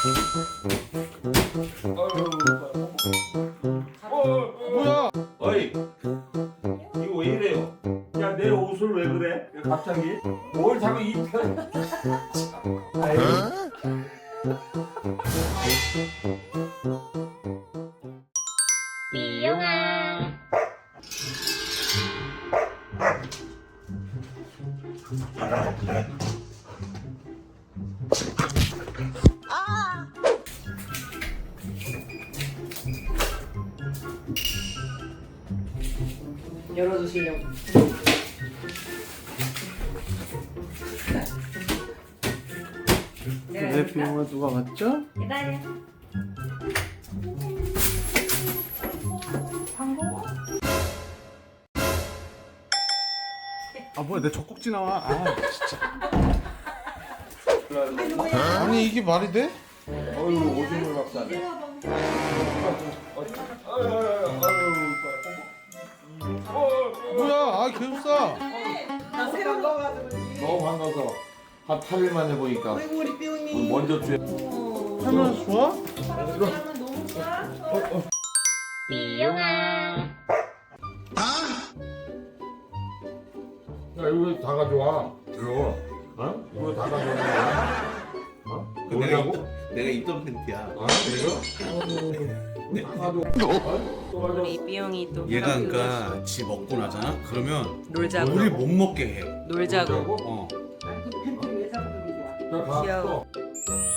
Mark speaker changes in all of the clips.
Speaker 1: 뭐야?
Speaker 2: 어이, 이거 왜 이래요? 야, 내 옷을 왜 그래? 갑자기? 뭘 자꾸 입혀? 아유.
Speaker 3: 이용아.
Speaker 4: 열어주시려고.
Speaker 1: 내 비용은 누가 맞죠?
Speaker 3: 기다려.
Speaker 1: 아 뭐야 내 젖꼭지 나와. 아 진짜. 아니 이게 말이 돼?
Speaker 2: 어휴, 오줌을 막 싸네.
Speaker 1: 뭐야? 아 계속 싸.
Speaker 4: 나 새로 넣어가지고.
Speaker 2: 너무 반가워서 한 8일 만에 보니까
Speaker 4: 아이고 우리 삐용이.
Speaker 2: 먼저 주에.
Speaker 1: 하면 좋아?
Speaker 4: 사람은 너무 좋아.
Speaker 3: 이용아.
Speaker 2: 야, 이거 다 가져와. 이거. 어? 이거 다 가져와. 어?
Speaker 5: 내가 입던 팬티야.
Speaker 2: 아, 이거?
Speaker 4: 우리 삐용이 또.
Speaker 5: 얘가 그러니까 지 먹고 나잖아. 그러면
Speaker 4: 놀자고.
Speaker 5: 우리 못 먹게 해.
Speaker 4: 놀자고.
Speaker 5: 어.
Speaker 2: 자, 가.
Speaker 4: 귀여워.
Speaker 2: 또.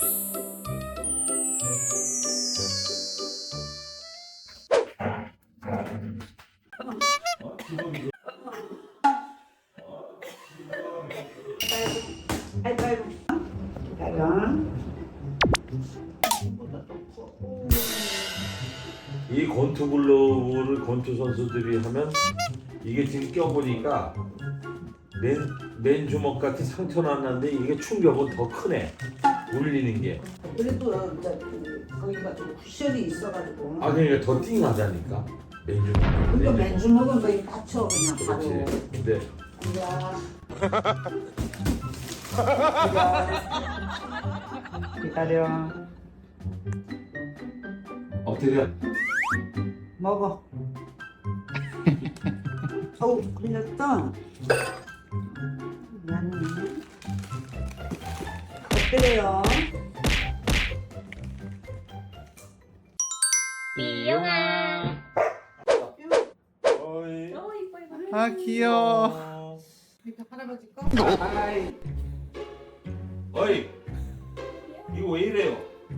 Speaker 2: 이 권투 글러브를 권투 선수들이 하면 이게 지금 껴보니까 맨 주먹 같이 상처 났는데 이게 충격은 더 크네. 울리는 게.
Speaker 6: 그래도 이제 거기가 좀 쿠션이 있어가지고.
Speaker 2: 아 그러니까 더 띵하다니까. 맨 주먹.
Speaker 6: 그러니까 맨주먹은 거의 다쳐 그냥 바로.
Speaker 2: 그렇지. 근데
Speaker 6: 기다려.
Speaker 2: 엎드려.
Speaker 6: 먹어. 어우 걸렸다. 미안해. 엎드려요.
Speaker 3: 이용아.
Speaker 2: 어이.
Speaker 1: 아 귀여워.
Speaker 6: 할아버지 거? 아이.
Speaker 2: 어이. 이거 왜 이래요?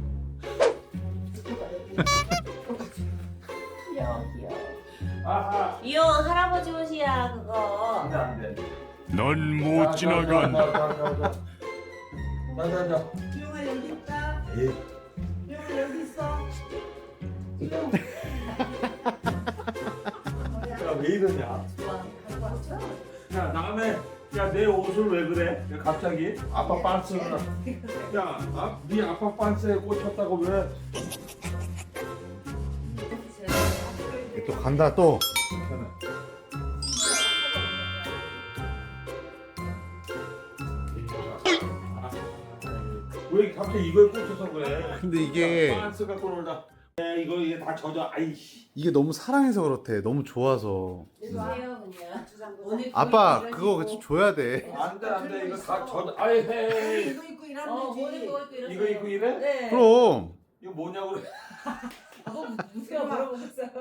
Speaker 3: 귀여워 귀여워.
Speaker 2: 아하.
Speaker 3: 이용 할아버지 옷이야 그거.
Speaker 2: 안돼 안돼.
Speaker 7: 넌 못 지나간다.
Speaker 2: 자자자.
Speaker 6: 삐용아 여기 있다.
Speaker 2: 에이.
Speaker 6: 삐용아 여기 있어. 삐용.
Speaker 2: 야왜 이러냐? 야 다음에 야 내 옷을 왜 그래? 야, 갑자기 아빠 반스를 야네 아빠 반스에 꽂혔다고 왜?
Speaker 1: 또 간다 또.
Speaker 2: 왜 갑자기 이거에 꽂혀서 그래?
Speaker 1: 근데 이게
Speaker 2: 반스 갖고 놀다. 이게 다 젖어. 아이씨.
Speaker 1: 이게 너무 사랑해서 그렇대. 너무 좋아서.
Speaker 3: 주세요 그냥.
Speaker 6: 오늘
Speaker 1: 아빠 그거 줘야 돼.
Speaker 2: 안돼 이거 다 젖어. 아이 헤이.
Speaker 6: 이거 입고 일하면
Speaker 3: 뭐
Speaker 6: 되지.
Speaker 3: 입고 이렇게
Speaker 2: 이거 입고 이래?
Speaker 3: 네.
Speaker 1: 그럼.
Speaker 2: 이거 뭐냐고 그래?
Speaker 3: 무슨 물어보겠어요?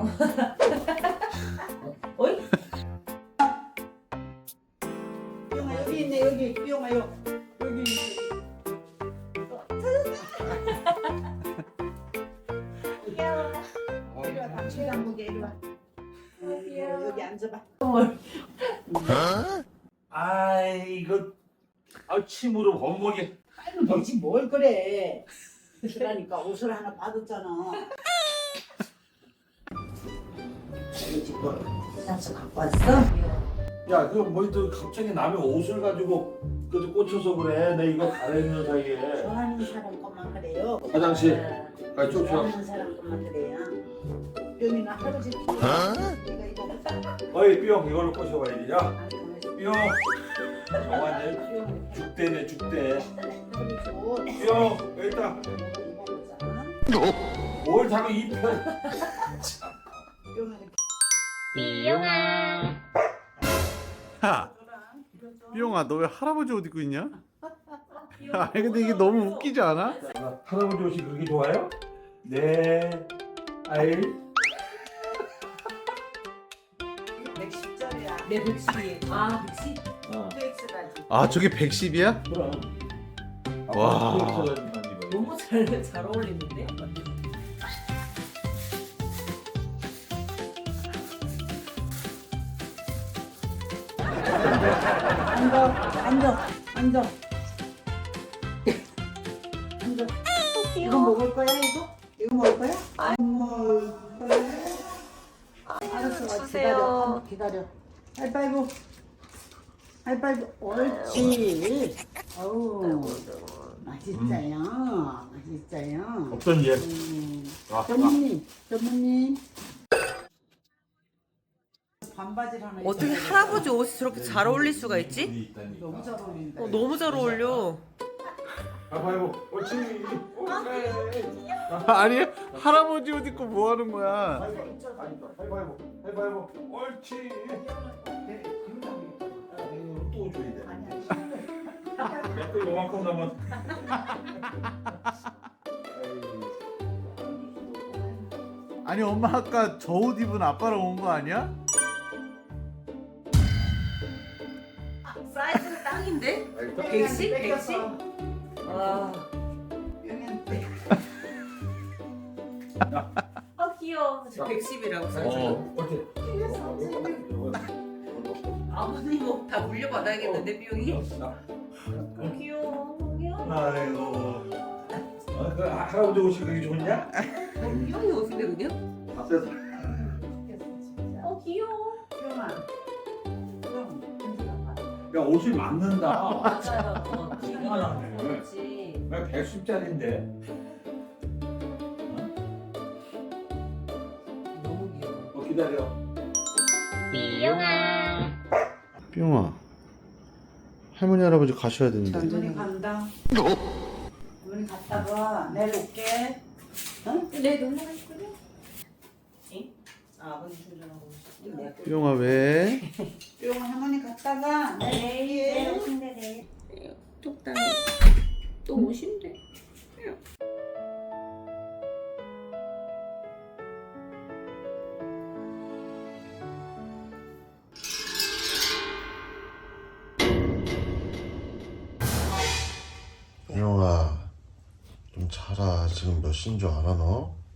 Speaker 6: 삐용아 여기 있네 여기. 삐용아 여기.
Speaker 3: 귀여워.
Speaker 6: 이리 와. 당신 한국에 이리 와. 여기 앉아봐.
Speaker 2: 아이 이거 침으로 범벅이.
Speaker 6: 빨리 되지 뭘 그래. 그러니까 옷을 하나 받았잖아. 산수 갖고 왔어?
Speaker 2: 야 그거 뭐또 갑자기 남의 옷을 가지고 그 꽂혀서 그래. 내 이거 갈아입는 사이에.
Speaker 6: 좋아하는 사람 것만 그래요.
Speaker 2: 화장실. 아 쫓아.
Speaker 6: 좋아하는 사람 것만 그래요. 뿅이나 할아버지 내가 이거
Speaker 2: 어이 뿅 이걸로 꼬셔봐야지. 야
Speaker 6: 할아버지
Speaker 2: 뿅. 정환이 죽대네 죽대.
Speaker 6: 뿅.
Speaker 2: 뿅 여기 있다. 뭘 자꾸 이 편.
Speaker 1: 야, 삐용아, 너 왜 할아버지 옷 입고 있냐? 아니 근데 이게 너무 웃기지 않아?
Speaker 2: 할아버지 옷이 그렇게 좋아요? 네. 아이.
Speaker 6: 110짜리야.
Speaker 3: 내 110이. 아 110?
Speaker 6: PX까지.
Speaker 1: 아 저게 110이야?
Speaker 2: 그럼.
Speaker 1: 와.
Speaker 3: 너무 잘 어울리는데?
Speaker 6: 앉아. 앉아. 이거 먹을 거야 이거? 이거 먹을 거야? 안 먹을 거야? 알았어.
Speaker 4: 주세요.
Speaker 6: 기다려. 하이파이브. 하이파이브. 옳지. 어우. 맛있어요. 맛있어요.
Speaker 2: 어떤 예?
Speaker 6: 전무님. 반바지를 하나
Speaker 4: 어떻게
Speaker 6: 입어야
Speaker 4: 할아버지 옷이 저렇게 잘 어울릴 수가 있지?
Speaker 6: 너무 잘 어울린다.
Speaker 4: 너무 잘 어울려.
Speaker 2: 아이고, 옳지.
Speaker 1: 아니 할아버지 옷 입고 뭐 하는 거야?
Speaker 2: 해봐요. 옳지. 또 줘야 돼. 또 요만큼 남았.
Speaker 1: 아니 엄마 아까 저 옷 입은 아빠랑 온 거 아니야?
Speaker 4: 사이즈는 땅인데? 110? 110? 와.
Speaker 3: 귀여워.
Speaker 4: 110이라고 써있어.
Speaker 2: 옳지.
Speaker 4: 아버님 옷 다 물려받아야겠는데 비용이?
Speaker 3: 귀여워.
Speaker 2: 아이고. 그 할아버지 옷이 그게 좋냐?
Speaker 4: 비용이 옷인데 그냥?
Speaker 2: 앞에서.
Speaker 3: 귀여워.
Speaker 2: 야 옷이 맞는다.
Speaker 3: 맞아요.
Speaker 2: 얼마나
Speaker 3: 그렇지.
Speaker 2: 나 110짜리인데.
Speaker 4: 너무 귀여워.
Speaker 2: 기다려.
Speaker 1: 삐용아, 할머니 할아버지 가셔야 되는데.
Speaker 6: 어머니 간다. 어머니 갔다가 내일 올게. 응?
Speaker 3: 내 놀러 갈 거야? 응? 아버지 주려고. 내가
Speaker 1: 삐용아 왜?
Speaker 6: 뿅 할머니 갔다가 내일 올게.
Speaker 3: 내일.
Speaker 4: 적당히. 또 오신대.
Speaker 8: 삐용아 좀 자라. 지금 몇 시인 줄 알아 너?